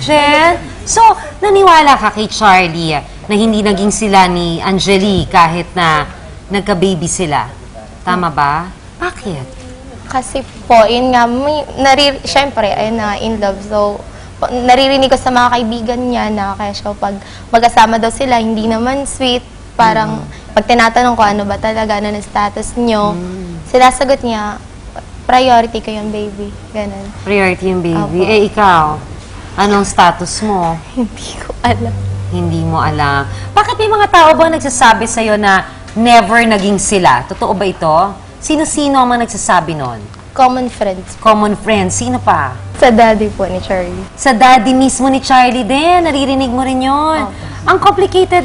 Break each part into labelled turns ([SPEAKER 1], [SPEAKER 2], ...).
[SPEAKER 1] Jen. So, naniwala ka kay Charlie na hindi naging sila ni Angeli kahit na nagka-baby sila. Tama ba? Bakit?
[SPEAKER 2] Kasi po, yun nga, syempre, ayun na, in love. So, naririnig ko sa mga kaibigan niya na kaya siya pag mag-asama daw sila, hindi naman sweet. Parang, pag tinatanong ko ano ba talaga, ano na status nyo, sinasagot niya, priority ko yung baby. Ganon.
[SPEAKER 1] Priority yung baby.
[SPEAKER 2] Opo.
[SPEAKER 1] Eh, ikaw, anong status mo?
[SPEAKER 2] Hindi ko alam.
[SPEAKER 1] Hindi mo alam. Bakit may mga tao ba nagsasabi sa'yo na never naging sila? Totoo ba ito? Sino-sino ang mga nagsasabi nun?
[SPEAKER 2] Common friends.
[SPEAKER 1] Common friends. Sino pa?
[SPEAKER 2] Sa daddy po ni Charlie.
[SPEAKER 1] Sa daddy mismo ni Charlie din. Naririnig mo rin yun. Ang complicated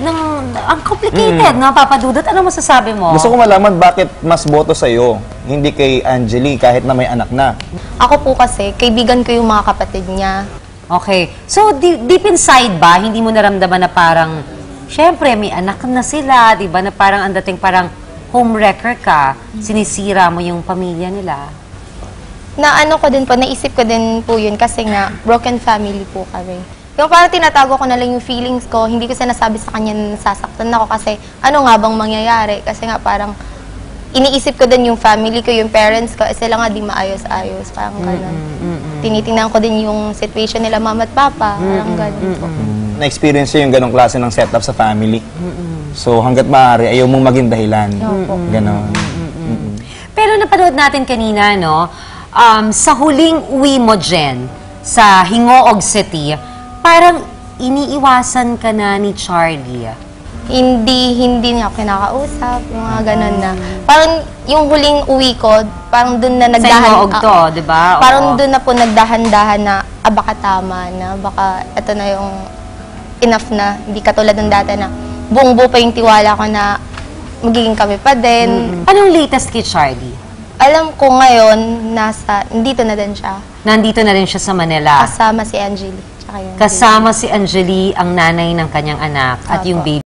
[SPEAKER 1] no, Papa Dudut? Ano masasabi mo?
[SPEAKER 3] Gusto ko malaman bakit mas boto sa'yo, hindi kay Angeli kahit na may anak na.
[SPEAKER 2] Ako po kasi, kaibigan ko yung mga kapatid niya.
[SPEAKER 1] Okay. So, deep inside ba, hindi mo naramdaman na parang, syempre, may anak na sila, di ba? Na parang ang dating parang homewrecker ka, sinisira mo yung pamilya nila.
[SPEAKER 2] Na ano ko din po, naisip ko din po yun kasi nga, broken family po kami. Yung parang tinatago ko na lang yung feelings ko, hindi ko sinasabi sa kanya na nasasaktan ako kasi ano nga bang mangyayari? Kasi nga parang iniisip ko din yung family ko, yung parents ko, sila nga di maayos-ayos, parang gano'n. Tinitingnan ko din yung situation nila, mama at papa, parang gano'n po.
[SPEAKER 3] Na-experience yung ganong klase ng setup sa family. So hanggat maaari, ayaw mong maging dahilan. Ganon.
[SPEAKER 1] Pero napanood natin kanina, no? Sa huling uwi mo, Jen, sa Hingoog City, parang iniiwasan ka na ni Charlie.
[SPEAKER 2] Hindi niya ako kinakausap, yung mga gano'n na. Parang yung huling uwi ko, parang dun na nagdahan.
[SPEAKER 1] Sa Hingoog to, di ba?
[SPEAKER 2] Parang dun na po nagdahan-dahan na, baka tama na, baka ito na yung enough na. Hindi katulad ng dati na buong-buo pa yung tiwala ko na magiging kami pa din.
[SPEAKER 1] Anong latest kay Charlie?
[SPEAKER 2] Alam ko ngayon, nandito na din siya.
[SPEAKER 1] Nandito na rin siya sa Manila.
[SPEAKER 2] Kasama si Angeli. Tsaka yung
[SPEAKER 1] Kasama si Angeli, ang nanay ng kanyang anak, at yung baby.